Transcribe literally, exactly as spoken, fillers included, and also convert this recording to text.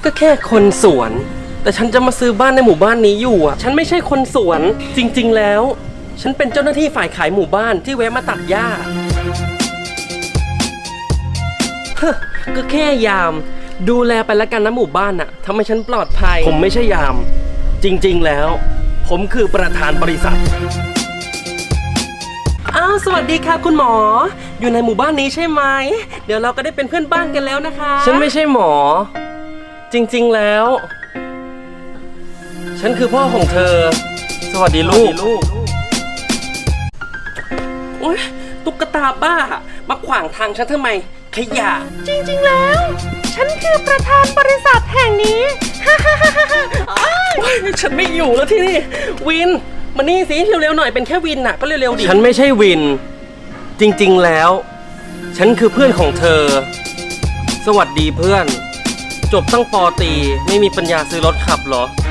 ก็แค่คนสวนแต่ฉันจะมาซื้อบ้านในหมู่บ้านนี้อยู่อ่ะฉันไม่ใช่คนสวนจริงๆแล้วฉันเป็นเจ้าหน้าที่ฝ่ายขายหมู่บ้านที่แวะมาตัดหญ้าเฮ้อก็แค่ยามดูแลไปแล้วกันนะหมู่บ้านน่ะทำให้ฉันปลอดภัยผมไม่ใช่ยามจริงๆแล้วผมคือประธานบริษัทอ้าวสวัสดีค่ะคุณหมออยู่ในหมู่บ้านนี้ใช่ไหมเดี๋ยวเราก็ได้เป็นเพื่อนบ้านกันแล้วนะคะฉันไม่ใช่หมอจริงๆแล้วฉันคือพ่อของเธอสวัสดีลูกโอ๊ยตุ๊กตาบ้ามาขวางทางฉันทำไมขยะจริงๆแล้ว ฉันคือประธานบริษัทแห่งนี้ ฮ่าฮ่าฮ่าฮ่าฉันไม่อยู่แล้วที่นี่วินมานี่สิเร็วๆหน่อยเป็นแค่วินน่ะก็เร็วๆดิฉันไม่ใช่วินจริงๆแล้วฉันคือเพื่อนของเธอสวัสดีเพื่อนจบตั้งป.ตรีไม่มีปัญญาซื้อรถขับเหรอ